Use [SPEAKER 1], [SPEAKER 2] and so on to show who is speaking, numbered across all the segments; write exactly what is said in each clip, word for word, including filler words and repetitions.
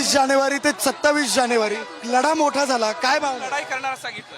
[SPEAKER 1] वीस जानेवारी ते सत्तावीस जानेवारी लढा मोठा झाला, काय भावना?
[SPEAKER 2] लढाई करणार सांगितलं.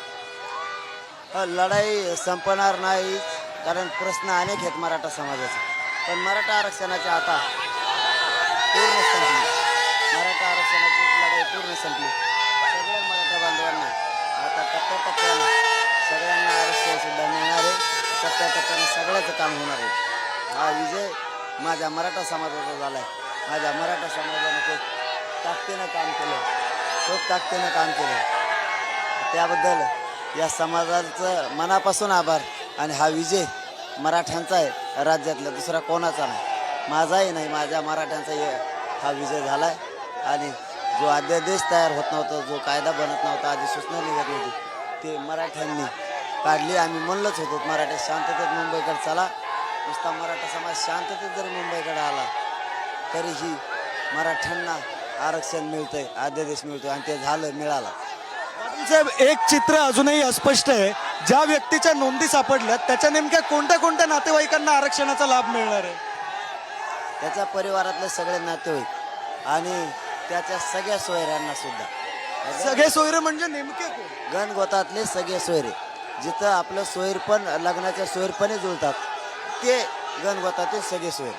[SPEAKER 3] लढाई संपणार नाही, कारण प्रश्न अनेक आहेत मराठा समाजाचे. पण मराठा आरक्षणाची आता पूर्ण संपली. मराठा आरक्षणाची लढाई पूर्ण संपली. सगळ्या मराठा बांधवांना आता टप्प्याटप्प्यानं सगळ्यांना आरक्षण सुद्धा मिळणार आहे. टप्प्याटप्प्यानं सगळ्याचं काम होणार आहे. हा विजय माझ्या मराठा समाजाचा झाला आहे. माझ्या मराठा समाजाने खूप ताकदीनं काम केलं, खूप ताकदीनं काम केलं. त्याबद्दल या समाजाचं मनापासून आभार. आणि हा विजय मराठ्यांचा आहे, राज्यातला दुसरा कोणाचा नाही, माझाही नाही, माझ्या मराठ्यांचा हा विजय झाला आहे. आणि जो अध्यादेश तयार होत नव्हता, जो कायदा बनत नव्हता, अधिसूचना निघत नव्हती, ते मराठ्यांनी काढली. आम्ही म्हणलंच होतो मराठा शांततेत मुंबईकडे चला. नुसता मराठा समाज शांततेत जरी मुंबईकडे आला तरीही मराठ्यांना आरक्षण मिळतंय, अध्यादेश मिळतोय, आणि ते झालं, मिळालं.
[SPEAKER 1] पाटील साहेब, एक चित्र अजूनही अस्पष्ट आहे. ज्या व्यक्तीच्या नोंदी सापडल्यात त्याच्या नेमक्या कोणत्या कोणत्या नातेवाईकांना आरक्षणाचा लाभ मिळणार आहे?
[SPEAKER 3] त्याच्या परिवारातले सगळे नातेवाईक आणि त्याच्या सगळ्या सोयऱ्यांना सुद्धा.
[SPEAKER 1] सगळे सोयरे म्हणजे नेमके कोण?
[SPEAKER 3] गणगोतातले सगळे सोयरे, जिथं आपलं सोयर पण लग्नाच्या सोयरपणे जुळतात, ते गणगोतातील सगळे सोयर.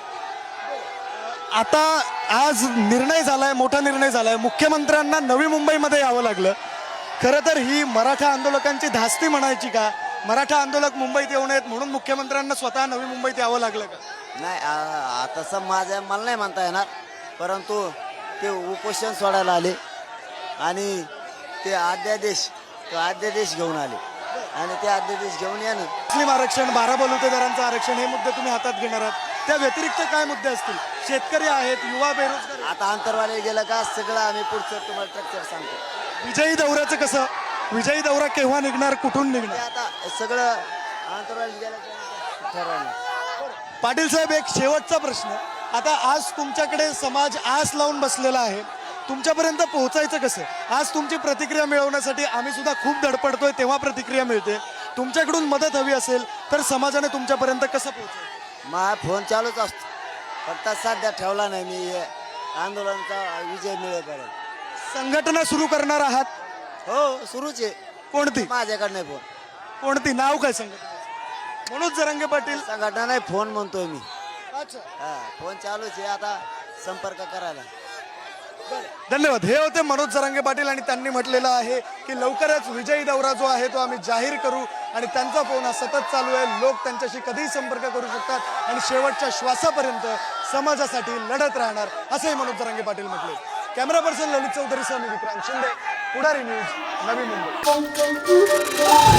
[SPEAKER 1] आता आज निर्णय झालाय, मोठा निर्णय झालाय. मुख्यमंत्र्यांना नवी मुंबईमध्ये यावं लागलं. खरं तर ही मराठा आंदोलकांची धास्ती म्हणायची का? मराठा आंदोलक मुंबईत येऊ नयेत म्हणून मुख्यमंत्र्यांना स्वतः नवी मुंबईत यावं लागलं का?
[SPEAKER 3] नाही, आ- तसं माझ्या मला नाही म्हणता येणार, परंतु ते उपोषण सोडायला आले आणि ते अध्यादेश तो अध्यादेश घेऊन आले. आणि ते अध्यादेश घेऊन या ना,
[SPEAKER 1] मुस्लिम आरक्षण, बारा बलुतेदारांचं आरक्षण, हे मुद्दे तुम्ही हातात घेणार आहात. त्या व्यतिरिक्त काय मुद्दे असतील? शेतकरी आहेत, युवा बेरोजगार आहेत.
[SPEAKER 3] आता अंतरवाले गेलं का सगळं आम्ही पुढचं तुम्हाला स्ट्रक्चर सांगतो.
[SPEAKER 1] विजयी दौऱ्याचं कसं? विजयी दौरा केव्हा निघणार, कुठून
[SPEAKER 3] ते
[SPEAKER 1] निघणार?
[SPEAKER 3] आता सगळं अंतरवाले गेलं का ठरवलं.
[SPEAKER 1] पाटील साहेब, एक शेवटचा प्रश्न. आता आज तुमच्याकडे समाज आस लावून बसलेला आहे, तुमच्यापर्यंत पोहोचायचं कसं? आज तुमची प्रतिक्रिया मिळवण्यासाठी आम्ही सुद्धा खूप धडपडतोय, तेव्हा प्रतिक्रिया मिळते. तुमच्याकडून मदत हवी असेल तर समाजाने तुमच्यापर्यंत कसं पोहोचायचं?
[SPEAKER 3] माझा फोन चालूच असतो, फक्त सध्या ठेवला नाही मी. आंदोलनाचा विजय मिळेपर्यंत
[SPEAKER 1] संघटना सुरू करणार आहात?
[SPEAKER 3] हो, सुरूच आहे.
[SPEAKER 1] कोणती?
[SPEAKER 3] माझ्याकडे नाही फोन.
[SPEAKER 1] कोणती? नाव काय संघटना? मनोज जरांगे पाटील
[SPEAKER 3] संघटना नाही, फोन म्हणतोय मी.
[SPEAKER 1] अच्छा,
[SPEAKER 3] हा, फोन चालूच आहे, आता संपर्क करायला.
[SPEAKER 1] धन्यवाद. हे होते मनोज जरांगे पाटील आणि त्यांनी म्हटलेलं आहे की लवकरच विजयी दौरा जो आहे तो आम्ही जाहीर करू. आणि त्यांचा फोन हा सतत चालू आहे. लोक त्यांच्याशी कधीही संपर्क करू शकतात आणि शेवटच्या श्वासापर्यंत समाजासाठी लढत राहणार, असंही मनोज जरांगे पाटील म्हटले. कॅमेरा पर्सन ललित चौधरी सह मी विक्रांत शिंदे, पुढारी न्यूज, नवी मुंबई.